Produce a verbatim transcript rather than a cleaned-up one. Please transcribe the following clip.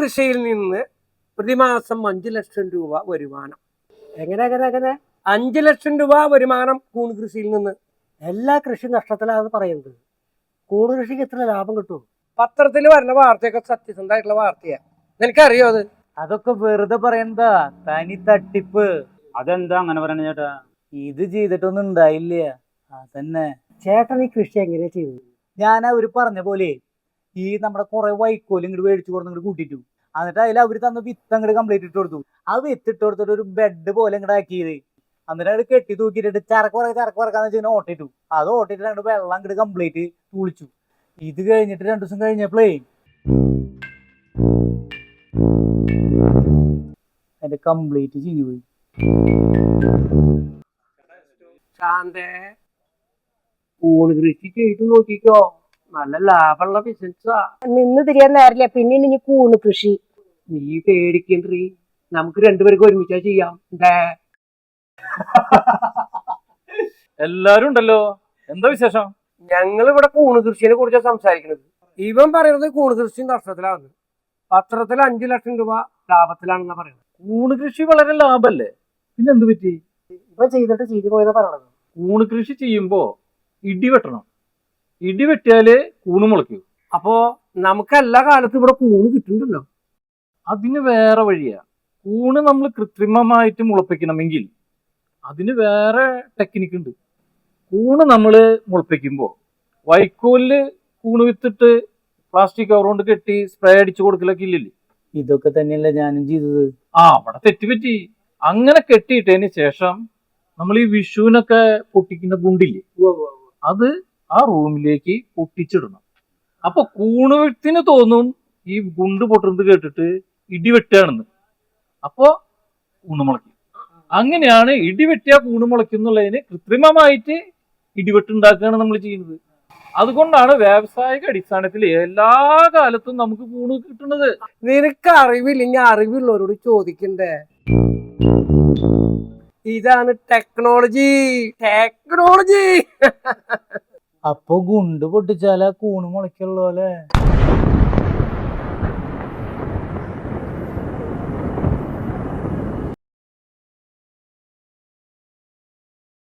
കൃഷിയിൽ നിന്ന് പ്രതിമാസം അഞ്ചു ലക്ഷം രൂപ വരുമാനം. എങ്ങനെ എങ്ങനെ എങ്ങനെ അഞ്ചു ലക്ഷം രൂപ വരുമാനം കൂൺ കൃഷിയിൽ നിന്ന്. എല്ലാ കൃഷി നഷ്ടത്തിലാണെന്ന് പറയുന്നത്. കൂൺ കൃഷിക്ക് എത്ര ലാഭം കിട്ടും? പത്രത്തിൽ വരുന്ന വാർത്തയൊക്കെ സത്യസന്ധമായിട്ടുള്ള വാർത്തയാ. നിനക്കറിയോ അത്? അതൊക്കെ വെറുതെ പറയണ്ടാ, തനി തട്ടിപ്പ്. അതെന്താ അങ്ങനെ പറയണ ചേട്ടാ? ഇത് ചെയ്തിട്ടൊന്നും ഉണ്ടായില്ല. അതന്നെ ചേട്ടൻ ഈ കൃഷി എങ്ങനെയാ ചെയ്തത്? ഞാൻ അവര് പറഞ്ഞ പോലെ ഈ നമ്മുടെ കുറെ വൈക്കോലും ഇങ്ങോട്ട് മേടിച്ചു കൊടുത്ത് ഇങ്ങോട്ട് കൂട്ടിട്ടു. എന്നിട്ട് അതിൽ അവര് തന്ന വിത്ത് അങ്ങോട്ട് കംപ്ലീറ്റ് ഇട്ട് കൊടുത്തു. ആ വിത്ത് ഇട്ട് കൊടുത്തിട്ട് ഒരു ബെഡ് പോലെ ഇങ്ങോട്ട് ആക്കിയത്. എന്നിട്ട് അത് കെട്ടി തൂക്കിയിട്ട് ചരക്ക് പറ ചരക്ക് പറക്കാന്ന് വെച്ചാൽ ഓട്ടിട്ടു. അത് ഓട്ടിട്ട് രണ്ട് വെള്ളം അങ്ങോട്ട് കംപ്ലീറ്റ് തുളിച്ചു. ഇത് കഴിഞ്ഞിട്ട് രണ്ടു ദിവസം കഴിഞ്ഞപ്പോഴേ എന്റെ കംപ്ലീറ്റ് ചീഞ്ഞു പോയി. ശാന്തേ, കൂൺ കൃഷി ചെയ്തു നോക്കിക്കോ, നല്ല ലാഭമുള്ള ബിസിനസ്സാ. നിന്ന് തിരിയാൻ നേരില്ല, പിന്നെ ഇനി കൂണ് കൃഷി. നീ പേടിക്കണ്ടീ, നമുക്ക് രണ്ടുപേർക്ക് ഒരുമിച്ചാ ചെയ്യാം. എല്ലാരും ഉണ്ടല്ലോ, എന്താ വിശേഷം? ഞങ്ങൾ ഇവിടെ കൂണ് കൃഷിയെ കുറിച്ചാണ് സംസാരിക്കുന്നത്. ഇവൻ പറയുന്നത് കൂണ് കൃഷി നഷ്ടത്തിലാണ്, പത്രത്തിൽ അഞ്ചു ലക്ഷം രൂപ ലാഭത്തിലാണെന്നാ പറയുന്നത്. കൂണ് കൃഷി വളരെ ലാഭല്ലേ, പിന്നെ എന്ത് പറ്റി? ഇപ്പൊ ചെയ്തിട്ട് ചെയ്തു പോയെന്നാ പറയണത്. കൂണ് കൃഷി ചെയ്യുമ്പോ ഇടി വെട്ടണം. ഇടി വെട്ടിയാല് കൂണ് മുളയ്ക്കൂ. അപ്പോ നമുക്ക് എല്ലാ കാലത്തും ഇവിടെ കൂണ് കിട്ടുന്നുണ്ടല്ലോ. അതിന് വേറെ വഴിയാ. കൂണ് നമ്മൾ കൃത്രിമമായിട്ട് മുളപ്പിക്കണമെങ്കിൽ അതിന് വേറെ ടെക്നിക്ക് ഉണ്ട്. കൂണ് നമ്മൾ മുളപ്പിക്കുമ്പോൾ വൈക്കോലില് കൂണ് വിത്തിട്ട് പ്ലാസ്റ്റിക് കവർ കൊണ്ട് കെട്ടി സ്പ്രേ അടിച്ചു കൊടുക്കലൊക്കെ ഇല്ലല്ലേ? ഇതൊക്കെ തന്നെയല്ല ഞാനും ചെയ്തത്. ആ, അവിടെ തെറ്റുപറ്റി. അങ്ങനെ കെട്ടിയിട്ടതിന് ശേഷം നമ്മൾ ഈ വിഷുവിനൊക്കെ പൊട്ടിക്കുന്ന ഗുണ്ടില്ലേ, അത് ആ റൂമിലേക്ക് പൊട്ടിച്ചിടണം. അപ്പൊ കൂണ് വിത്തിന് തോന്നും ഈ ഗുണ്ട് പൊട്ടുന്നത് കേട്ടിട്ട് ഇടിവെട്ടാണെന്ന്. അപ്പോ കൂണ് മുളയ്ക്കും. അങ്ങനെയാണ് ഇടിവെട്ടിയ കൂണ് മുളയ്ക്കുന്നുള്ളതിന് കൃത്രിമമായിട്ട് ഇടിവെട്ടുണ്ടാക്കുകയാണ് നമ്മൾ ചെയ്യുന്നത്. അതുകൊണ്ടാണ് വ്യാവസായിക അടിസ്ഥാനത്തിൽ എല്ലാ കാലത്തും നമുക്ക് കൂണ് കിട്ടുന്നത്. നിനക്ക് അറിവില്ലെങ്കിൽ അറിവുള്ളവരോട് ചോദിക്കണ്ടേ? ഇതാണ് ടെക്നോളജി. ടെക്നോളജി അപ്പൊ ഗുണ്ട് പൊട്ടിച്ചാലാ കൂണ് മുളയ്ക്കുള്ളൂ അല്ലേ?